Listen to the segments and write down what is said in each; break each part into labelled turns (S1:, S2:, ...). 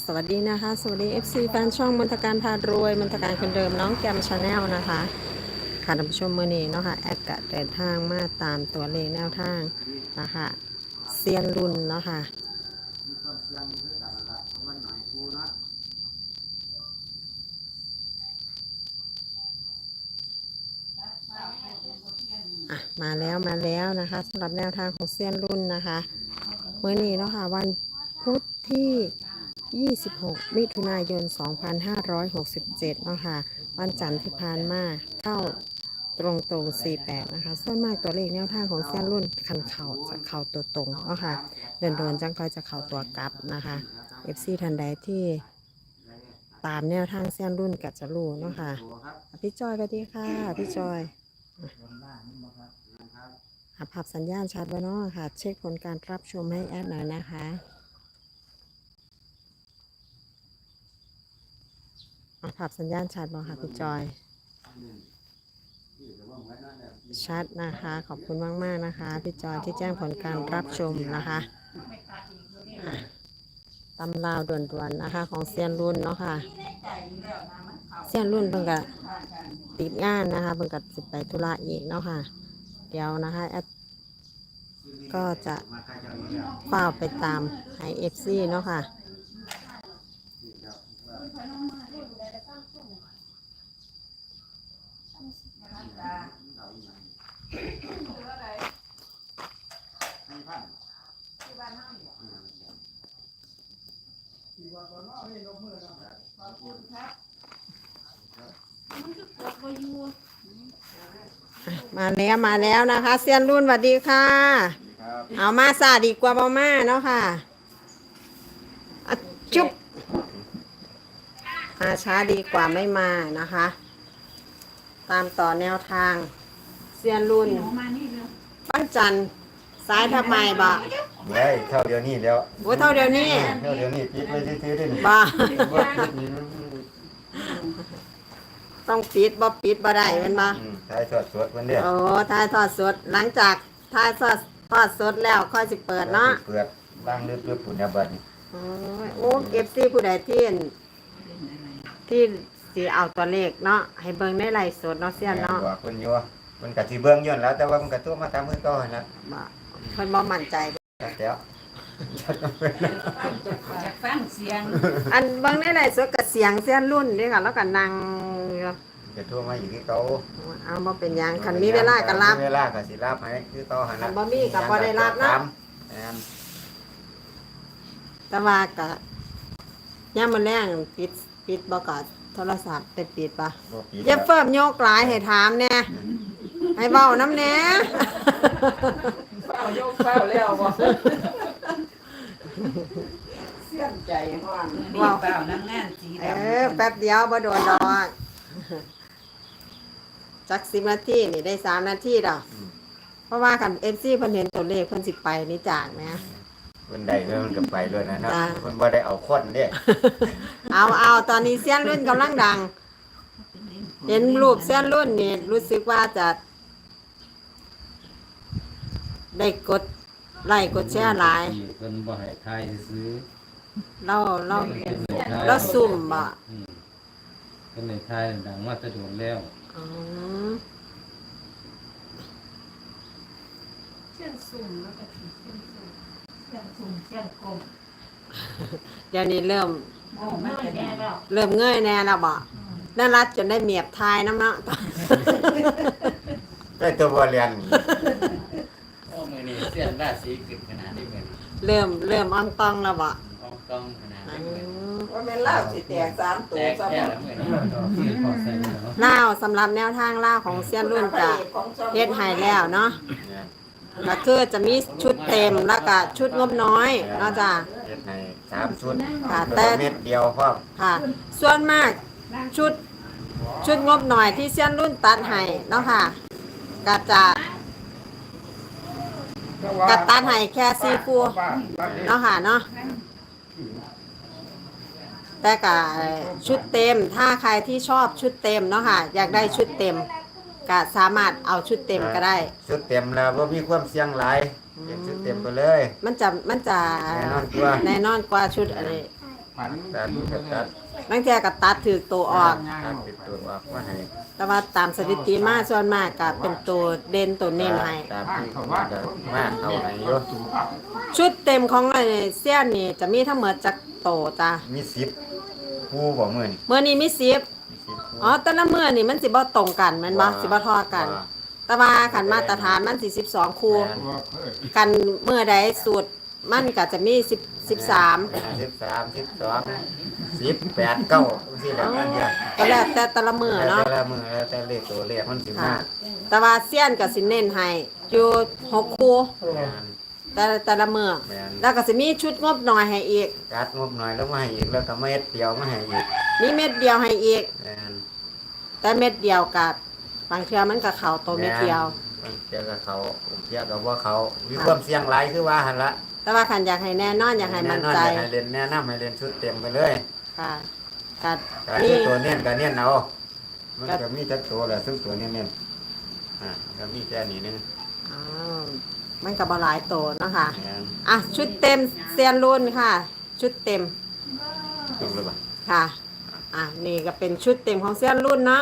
S1: สวัสดีนะคะสวัสดี FC แฟนช่องมนตการพารวยมนตการคนเดิมน้องแกมชาแนลนะคะค่ะท่านผู้ชมเมื่อนี้เนาะค่ะแอดกะเดินทางมาตามตัวเลขแนวทางนะคะเซียนรุ่นเนาะค่ะมาแล้วนะคะสำหรับแนวทางของเซียนรุ่นนะคะเมื่อนี้เนาะค่ะวันพุธที่26 มิถุนายน 2567 เนาะค่ะวันจันทร์ที่ผ่านมาเข้าตรง48นะคะส่วนมากตัวเลขแนวทางของเส้นรุ่นคันเข่าจะเข่าตัวตรงเนาะค่ะเดินโดนจังค่อยจะเข่าตัวกลับนะคะ FC ทันใดที่ตามแนวทางเส้นรุ่นกัจะรู้เนาะค่ะพี่จอยสวัสดีค่ะพี่จอยภาพสัญญาณชัดไว้เนาะค่ะเช็คผลการรับชมให้แอดหน่อยนะคะภาพสัญญาณชัดบ่ค่ะพี่จอยชัดนะคะขอบคุณมากๆนะคะพี่จอยที่แจ้งผลการรับชมนะคะตำราวด่วนๆนะคะของเซียนรุ่นเนาะค่ะเซียนรุ่นเพิ่งกับติดงานนะคะเพิ่งกับสิไปธุระอีกเนาะค่ะเดี๋ยวนะคะแอดก็จะเฝ้าไปตามไอเอฟซีเนาะค่ะมาแล้วนะคะเซียนรุ่นสวัสดีค่ะเอามาซาดีกว่าบอมาเนาะค่ะจุ๊บมาช้าดีกว่าไม่มานะคะตามต่อแนวทางเซียนรุ่นปั้นจันซ้ายทำไมบ่
S2: ได้เท่าเดียวนี้แล้ว
S1: โอ้เท่าเดียวนี้
S2: ปิดไว้ซื้อได้นี่
S1: บ่ต้องปิดบ่ได้เป็นบ่
S2: ถ่ายทอดสดวันเดียว
S1: โอ้ถ่ายทอดสดหลังจากถ่ายทอดสดแล้วค่อยสิเปิดเนาะ
S2: เปิดล้างลึกๆปุ่นยาบัดนี่
S1: โอ้เอฟซีผู้ใดที่สีเอาตัวเลขเนาะให้เบิ่งในไลฟ์สดเนาะเสียเนาะ
S2: บอกเพิ่นอยู่เพิ่นก็สิเบิ่งย้อนแล้วแต่ว่ามันก็ตัวมาตามมือก่อนนะ
S1: เพิ่นบ่มั่นใจ
S2: แล้ว
S3: จากฟังเสียง
S1: อันเบิ่งในไลฟ์สดก็เสียงเสียนรุ่นเด้ค่ะแล้วก็นั่ง
S2: จะโทรมาอยู่ที่เก่า
S1: เอาบ่เป็นหยังคันมีเวลาก็รับ
S2: เวลาก็สิรับให้คือต่อหั่น
S1: น่ะบ่มีก็บ่ได้รับเนาะแต่ว่าก็ยามมื้อแลงปิดบ่ก็โทรศัพท์ปิดป่ะอย่าเฟิ่มโยกหลายให้ถามแน่ให้เว้านำแน่
S3: เฝ้าโยกเฝ้าแล้วบ่เสียใจฮ้อนนี่เฝ้านั่งงานสีดำ
S1: แป๊บเดียวบ่โดนดอกจัก10 นาทีนี่ได้3 นาทีดอกเพราะว่าคัน FC เพิ่นเห็นตัวเลขเพิ่นสิไปนี่จากนะ
S2: เพิ่นได้แล้วมันก็ไปเลยนะเนาะเพิ่นบ่ได้เอาคนเด้
S1: เอาตอนนี้เสี้ยนรุ่นกำลังดังเห็นรูปเสี้ยนรุ่นนี่รู้สึกว่าจะได้กดไลค์กดแชร์หลาย
S4: เพิ่นบ่ให้ทายซื้อ
S1: เราซุ่มบ่
S4: เพิ่นให้ทายดังมาแตะโดนแล้ว
S3: เสียงสุ่มแล้วก็เสียงสุ่มเสียงสุ่มเสียงกลม
S1: เดี๋ยวนี้เริ่ม
S3: มันจะแน่แล้ว
S1: เงยแน่แล้วบ่น่ารักจนได้เมียบทายน้ำเนาะ
S2: ได้ตัวบ่เรียน
S4: มื้อนี้เสียนราศีขึ้นขนาดนี้มื้อ
S1: เริ่มอ่องตองแล้วบ่
S4: อ่องตองขนาดนี้
S3: ว่าแม่นลาวสิแตก3ตัวซะบ่
S1: ลาวสำหรับแนวทางลาวของเซียนรุ่นจะเฮ็ดให้แล้วเนาะก็คือจะมีชุดเต็มแล้วก็ชุดงบน้อยเนาะจ้ะ
S2: เฮ็ดให้3ชุด
S1: ค่ะแต่
S2: เม็ดเดียวพอ
S1: ค่ะส่วนมากชุดงบหน่อยที่เซียนรุ่นตัดให้เนาะค่ะก็จะตัดให้แค่4คู่เนาะค่ะเนาะแต่ก็ชุดเต็มถ้าใครที่ชอบชุดเต็มเนาะค่ะอยากได้ชุดเต็มก็สามารถเอาชุดเต็มก็ได้
S2: ชุดเต็มแล้วบ่มีความเสี่ยงหลายชุดเต็มไปเลย
S1: มันจะแน่นอนกว่าชุดอะไร
S3: ฝัน
S2: ตัดก็ตัด
S1: บางเทีก็ตัดถือตัวออก
S2: ตัดติดตัวออกมาให้
S1: แต่ว่าตามสถิติมาส่วนมากก็เป็นตัวเด่นตัวเน้นให้
S2: ตามที่เขาว่าจะมาเอาให้อยู่
S1: ชุดเต็มของไอ้เสี้ยนนี่จะมีทั้งหมดจักโตจ้ะ
S2: มี10คู่บ่มื้อนี่
S1: เมื่อนี้มี10
S2: มี10คู่
S1: อ๋อแต่ละมื้อนี่มันสิบ่ตรงกันแม่นบ่สิบ่เทอกัน แต่ว่าคันมาตรฐานมันสิ12คู่
S3: ว่าเคย
S1: กันเมื่อใดสูตรมันก็จะมี10 13
S2: 13 12 18 9สิแล้วอันเดียว
S1: ก็แล้วแต่แต่ละมื้อเนาะ
S2: แต่ละมื้อแล้วแต่เลขตัวเลขมันสิมา
S1: ค่ะ แต่ว่าเสี้ยนก็สิเน้นให้อยู่6คู่
S2: แม่น
S1: แต่ละมื้อ
S2: แม่น
S1: แล้วก็สิมีชุดงบหน่อยให้อีก
S2: กัดงบหน่อยแล้วมาให้อีกแล้วก็เม็ดเดียวมาให้อีก
S1: มีเม็ดเดียวให้อีก
S2: แม่น
S1: แต่เม็ดเดียวกับบางเทื่อมันก็เข้าตัวเม็ดเดียว
S2: มันเจอกับเขาเจอกับว่าเขามีความเสี่ยงหลายคือว่าหันละ
S1: แต่ว่าคันอยากให้แน่นอนอยากให้มั่นใจ
S2: แอให้เล่นแนะนำให้เล่นชุดเต็มไปเลย
S1: ค่ะกัด
S2: แต่
S1: นี่
S2: ตัวเน้นก็เน้นเอามันก็มีจักตัวแหละซึ่งตัวเน้นเน้นก็มีแค่นี้นึง
S1: อ้าวมันก็บ่หลายตัวเนาะค่ะ
S2: แม่น
S1: อ่ะชุดเต็มเซียนรุ่นค่ะ ชุดเต็ม
S2: ถูกหรือเปล่า
S1: ค่ะ อ่ะนี่ก็เป็นชุดเต็มของเซียนรุ่นเนาะ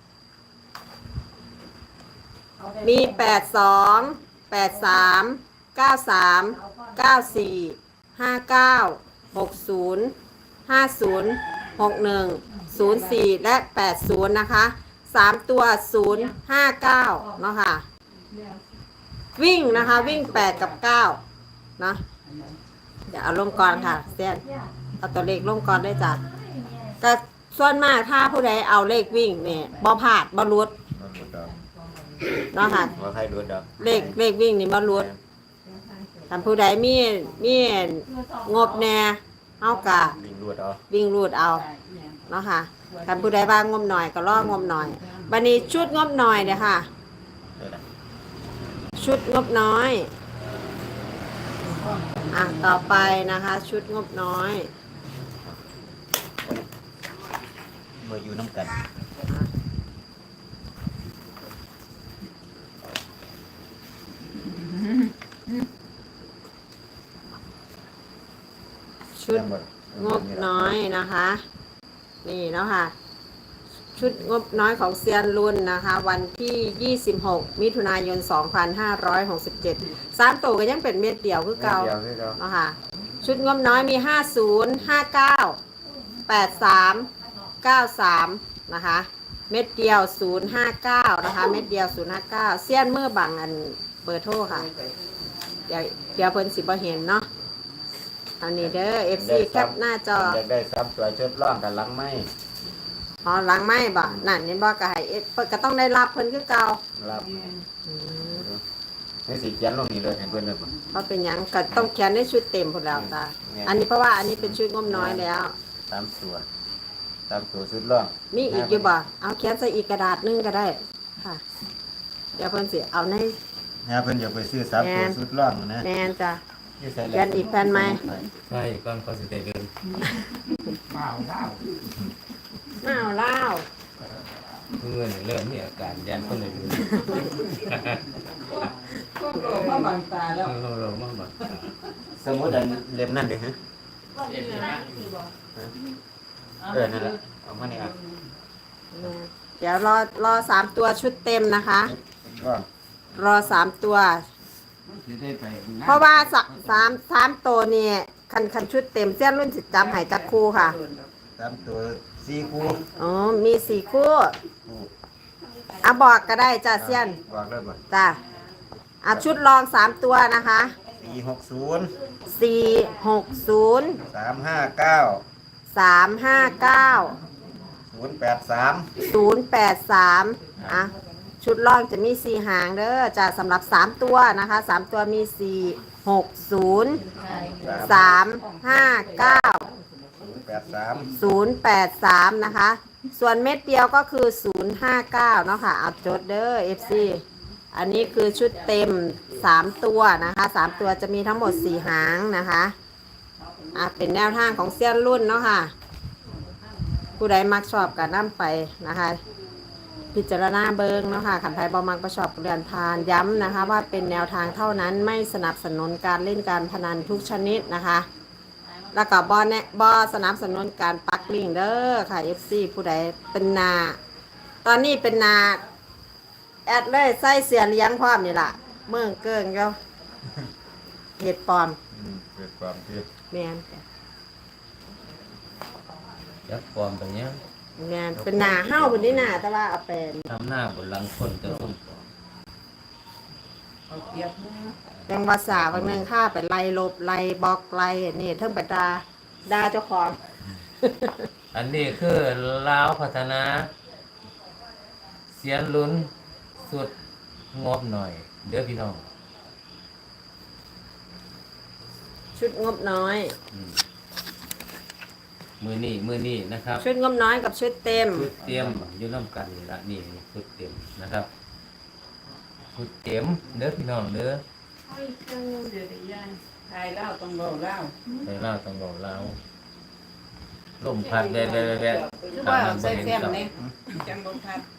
S1: มี 82 83 93 94 59 60 50 61 04 และ 80 นะคะ 3 ตัว 059 เนาะค่ะ วิ่งนะคะ วิ่ง 8 กับ 9 นะเดี๋ยวเอาลงก่อนค่ะเซียนเอาตัวเลขลงก่อนได้จ้ะแต่ส่วนมากถ้าผู้ใดเอาเลขวิ่งเนี่ยบ่พลาดบ่หลุด
S2: บ่รู้ดอก
S1: เนาะค่ะ
S2: ว่าใครรู้ดอก
S1: เลขวิ่งนี่บ่หลุดถ้าผู้ใดมีงบแน่เอากะ
S2: ลิงรู้ดอก
S1: วิ่งรูดเอาเนาะค่ะถ้าผู้ใดว่างบหน่อยก็รองบหน่อยบัดนี้ชุดงบหน่อยเนี่ยค่ะ
S2: เด้อล่ะ
S1: ชุดงบน้อยอ่ะต่อไปนะคะ ชุดงบน้อย
S2: เมื่ออยู่น้ำกัน
S1: ชุดงบน้อยนะคะ นี่เนาะค่ะ ชุดงบน้อยของเซียนรุ่นนะคะ วันที่ 26 มิถุนายน 2567 3ตัวก็ยังเป็นเม็ดเดียวคือเก่า
S2: เดียวคือเก่า
S1: เนาะค่ะ ชุดงบน้อยมี 50 59 83 93 นะคะ เม็ดเดียว 059 นะคะ เม็ดเดียว 059 เซียนเมื่อบังอันเบอร์โทรค่ะ เดี๋ยวเพิ่นสิบ่เห็นเนาะอันนี้เด้อ FC แคปหน้าจอ
S2: อยากได้ซ้ำตัวชุดร่องกับหลังไม้
S1: อ๋อหลังไม่บ่นั่นนี่บ่ก็ให้เพิ่นก็ต้องได้รับเพิ่นคือเก่า
S2: รับ
S1: อืม
S2: นี่สิเขียนลงนี่เลยให้เพิ่นเลยบ่
S1: เพราะเป็นหยังก็ต้องเขียนในชุดเต็มพุ่นแล้วจ้ะ
S2: เนี่ย
S1: อันนี้เพราะว่าอันนี้เป็นชุดงบน้อยแล้ว
S2: ตามตัวตามตัวชุดร่อง
S1: มีอีกอยู่บ่เอาเขียนใส่อีกกระดาษหนึงก็ได้ค่ะ เดี๋ยวเพิ่นสิเอาใน
S2: นะเพิ่นอยากไปซื้อสามตัวชุดร่องนะ
S1: แมนจ้ะ
S2: ที่ใส่
S1: เขียนอีกแผ่นไหม
S4: ใช่ก่อนเขาสิได้เดิน
S3: เปล่าเล่า
S1: อ้าวเล่าว
S4: เงินเริ่มมีอาการยันคนเลยดู
S3: มาบังตาแล้ว
S4: เรามากแบบ
S2: สมมุติอันเล่มนั่นเด้อฮะนั่นแหละเอามานี่อ่ะ
S1: เดี๋ยวรอ3ตัวชุดเต็มนะคะ
S2: ร่อง
S1: รอ3ตัว
S3: จะได้ไป
S1: เพราะว่าสามตัวนี่คันชุดเต็มเส้นรุ่นสิจับใหายจับคู่ค่ะ
S2: ตามตัวสี่คู่
S1: อ๋อ มี4 คู่อ่ะบอกก็ได้จ้าเซียน
S2: บอกเลยบ่
S1: จ้าอ่ะชุดรอง3ตัวนะคะ
S2: 460
S1: 460
S2: 359
S1: 359
S2: 083
S1: 083อ่ะชุดรองจะมี4หางเด้อจ้าสำหรับ3ตัวนะคะ3ตัวมี460 359
S2: 083
S1: 083 นะคะ ส่วนเม็ดเดียวก็คือ 059 เนาะค่ะเอาจดเด้อ FC อันนี้คือชุดเต็ม 3 ตัวนะคะ 3 ตัวจะมีทั้งหมด 4 หางนะคะเป็นแนวทางของเซียนรุ่นเนาะค่ะ ผู้ใดมักชอบกันนำไปนะคะ พิจารณาเบิงเนาะค่ะขันไทยบอมักประชอบเรียนพานย้ำนะคะ ว่าเป็นแนวทางเท่านั้นไม่สนับสนุนการเล่นการพนันทุกชนิดนะคะแล้วก็บอสนับสนุนการปักลิงก์เด้อค่ะ FC ผู้ใดเป็นนาตอนนี้เป็นนาแอดเลยใส่เสียเลี้ยงพร้อมนี่ล่ะเมืองเกิงเจ้าเห็ดปลอม
S2: เกิดความที่
S1: แมน
S4: ยักษ์ความตรงเนี้ย
S1: แมนเป็นนาเฮ้าบนนี้นาแต่ว่าเอาเป็น
S4: ทำหน้าบนหลังคนจะซุ่ม
S3: เอาเปรียบมือ
S1: ยังภาษาบางนึงค่าไปไล่ลบไล่บล็อกไล่นี่เทิงไปด่าเจ้าของ
S4: อันนี้คือลาวพัฒนา เสียนลุ้นสุดงบหน่อย เด้อพี่น้อง
S1: ชุดงบน้อย
S4: มือนี่นะครับ
S1: ชุดงบน้อยกับชุดเต็ม
S4: ชุดเตรียมอยู่น้ำกันนี่ละนี่ชุดเตรียมนะครับชุดเตรียมเด้อพี่น้องเด้อ
S3: เฮ้ยเจ้าเดี๋ยวได้ยันทายเล่าต้องเบาเล่า
S4: ไปเล่าต้องบอกเล่าลมพัดแว่
S3: คือว่าใส่แฟมเนี่ยจังบนพัด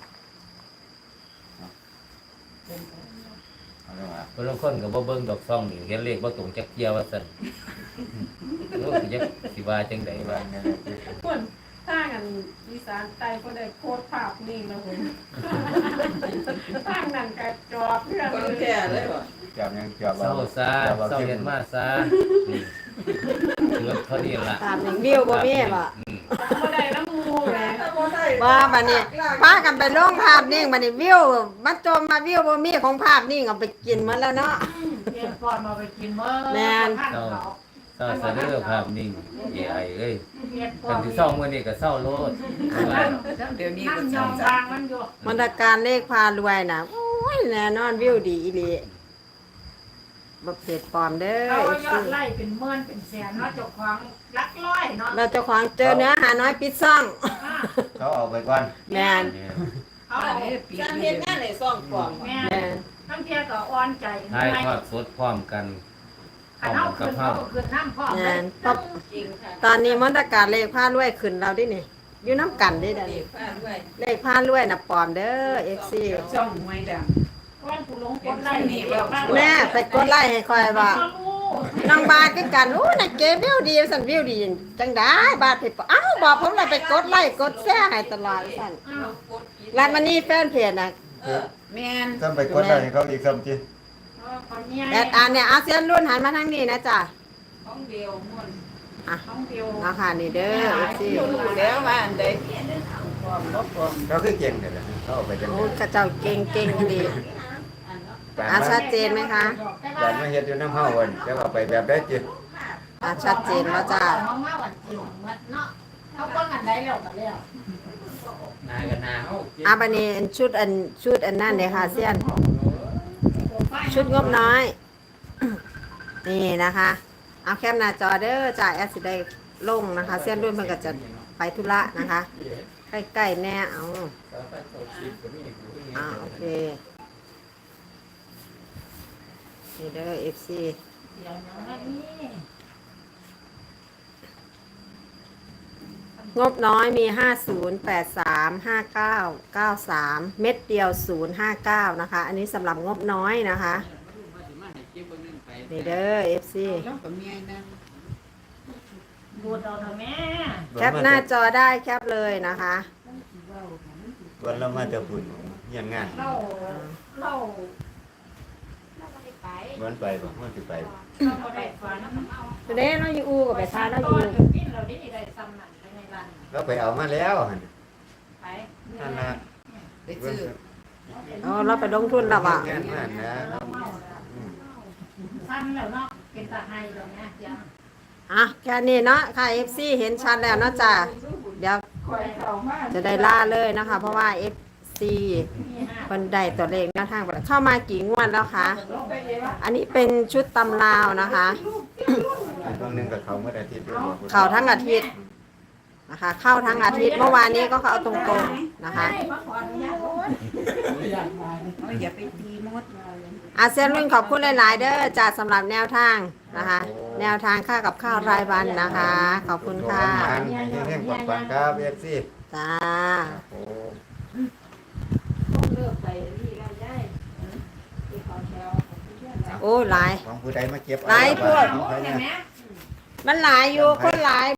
S2: เอาเรื่องมา
S4: บางคนก็บ่เบิ่งดอกซ่องนี่เห็นเลขบ่ตรงจักเกียว่าซั่นโอ้สิจักสิว่าจังได๋ว่า
S3: คนถ้ากันอีสานใต้ก็ได้โคตรภาพนี่นะผมตั้งนั่นกระจอกเพื่อนคนแก่เลยว่ะ
S2: จับยังจับ
S4: เศร้าซาเศร้าเฮ็ดมาซานี่เหลือเท่านี้ล่ะ
S1: ตามหนึ่งวิวบ่มีบ่
S3: บ่ได้น้ำมูแหม
S1: ว่าบัดนี้ป้ากันไปลงภาพนิ่งบัดนี้วิวมาจมมาวิวบ่มีของภาพนิ่งเอาไปกินหมดแล้วเนาะ
S3: เรียนก่อนมาไปกินเมื่อ
S1: แม่น
S3: ท่านเขา
S4: เศร้าซะเด้อภาพนิ่ง AI เอ้ย
S3: เรียนก่อ
S4: คัน
S3: น
S4: สิเศร้ามื้อนี้ก็เศร้าโลด
S3: เดี๋ยวนี้ก็ยอมวางมันอยู่
S1: มนตการเลขพารวยน่ะโอ้ยแน่นอนวิวดีอีหลีบ่เพจปลอมเด้อ
S3: เขา
S1: เอฟ
S3: ยอ
S1: ซี
S3: ดไล่เป็นหมื่นเป็นแสนเนาะเจ้าของลักร้อยเนาะ
S1: เราเจ้าของเจอเนื้อหาน้อยปิดซ่อง
S2: เขาเอาไปก่อน
S1: แมน
S4: เนี่ย
S3: เขาเอา
S5: การเฮ็ดงานในซ่องกล่อง
S3: แม่
S1: แมน
S3: ทั้งเทียก็อ่อนใจ
S4: ถ่ายทอดสดพร้อมกันพร้
S3: ขั
S4: อน ม
S3: เอา
S4: กั
S3: คื
S4: บ
S3: น
S4: เฮา
S3: เขาก็คืนน้ำพ่อ
S1: แม
S3: เลย
S1: นปั๊บ
S5: จริงค่ะ
S1: ตอนนี้มนตการเลขพารวยขึ้นเราดินี่อยู่น้ำกันดิเด้อ
S5: เด็
S1: นี่
S5: กพาด้วย
S1: เลขพารวยน่ะปลอมเด้อเอฟซี
S3: ช่องหวยดังวันผู้ลงกดไล่นี่แบบ
S1: แม่ไปกดไลค์ให้คอยว่าน้องบาทคือกันอู้น่ะเก๋วิวดีสั่นวิวดีจังได้บาทไปเอ้าบอกผมเลยไปกดไลค์กดแชร์ให้ตลอดสั่น
S5: กดกิน
S1: ร้านมันนี่แฟนเพจน่ะ
S3: แม่น
S2: ต้องไปกดได้ให้เขาอีกซ้ำจี
S1: แอดอันเนี่ยอาเซียนรุ่นหันมาทางนี้นะจ๊ะ
S5: ของเดียวม่วน
S3: ต้องเดียว
S1: เอาค่ะนี่เด้อเอฟซี
S5: รู้แล้วว่าอันใดปลอมบ่ปลอม
S2: เขาคือเก่งเลยนะเขาเอาไปจัง
S1: โอ้
S2: เลย
S1: กระเจ้าเก่งเก่งดี
S2: การ
S1: อ่ะ
S2: มา
S1: ชัดเจนไหมคะ
S2: การมาเฮ็ดอยู่น้ำเฮาวันจะเอาไปแบบได้จี
S1: อ่ะชัดเจนว่าจ้า
S3: น้องมาวันจริงมัดเนาะเขาเบิ่งอันใดแล้วก็แล้ว
S4: นายกับนาเฮา
S1: อาบันนี้ชุดอันนั่นเลยค่ะเซียน ชุดงบน้อย นี่นะคะ เอาแคปหน้าจอเด้อจ่ายแอดสิได้ลงนะคะ เส้นรุ่นเพิ่นก็จะไปธุระนะคะ ใกล้ๆแน่เอาโอเคนี่เด้อ FC
S3: เดี๋ยวน้องอันนี้
S1: งบน้อยมี 50 83 59 93 เม็ดเดียว 059 นะคะ อันนี้สำหรับงบน้อยนะคะ นี่เด้อ FC
S5: แล้วก็มีไอ้นั่น
S3: ดูดเอาเถอะแม่
S1: แคปหน้าจอได้แคปเลยนะคะ
S2: วันเรามาจะปุ่นเยี่ยมงาน
S3: เรา
S2: วันไปบ่วันสิไป
S3: เราบ่ได้ฝัน
S1: เด้เราอยู่อูกับไปทานเราอ
S3: ต
S1: ยู่
S3: อนถึงกินเราได้ซ้ำนั่นไปในร้าน
S2: เราไปเอามาแล้วหั่น
S3: ไป
S2: นั่นนะ
S5: ไปซื้อ
S1: อ๋อเราไปลงทุนแล้วอ่ะ
S2: งานมันนะ
S3: ซ้ำแล้วเนาะเป็นตาไห้แล้วเนี่ยจ้ะ
S1: อ่ะแค่นี้เนาะค่ะ FC เห็นชัดแล้วเนาะจ้ะเดี๋ยว
S5: คอยเข้ามา
S1: จะได้ล่าเลยนะคะ เพราะว่า FC คนใดตัวเลขหน้าทางเข้ามากี่งวดแล้วคะ
S5: ลงไปเลยว่า
S1: อันนี้เป็นชุดตำราวนะคะ
S2: ตรงนึงกับเขาเมื่ออาทิตย์ด้วย
S1: เข้าทั้งอาทิตย์นะคะ เข้าทั้งอาทิตย์เมื่อวานนี้ก็เข้าตรงๆนะคะ
S3: ให้มาขออนุญาต
S5: อย่าไปตีมด
S1: อาเซียนรุ่นขอบคุณหลายๆเด้อจ้าสำหรับแนวทางนะคะ แนวทางค่ากับข้าวรายวันนะคะ ขอบคุณค่ะ
S2: แห้งๆปังๆครับเอฟซี
S1: จ้า
S2: โอ้
S5: เลิกไปนี่แล้วยายที่เขาแถว
S1: โอ้หลาย
S2: ของผู้ใดมาเก็บ
S1: หลายพวก
S2: ของใคร
S3: เห็
S2: เนี่
S3: น
S2: ย
S3: ไหม
S1: มันหลายอยู่คนหลาย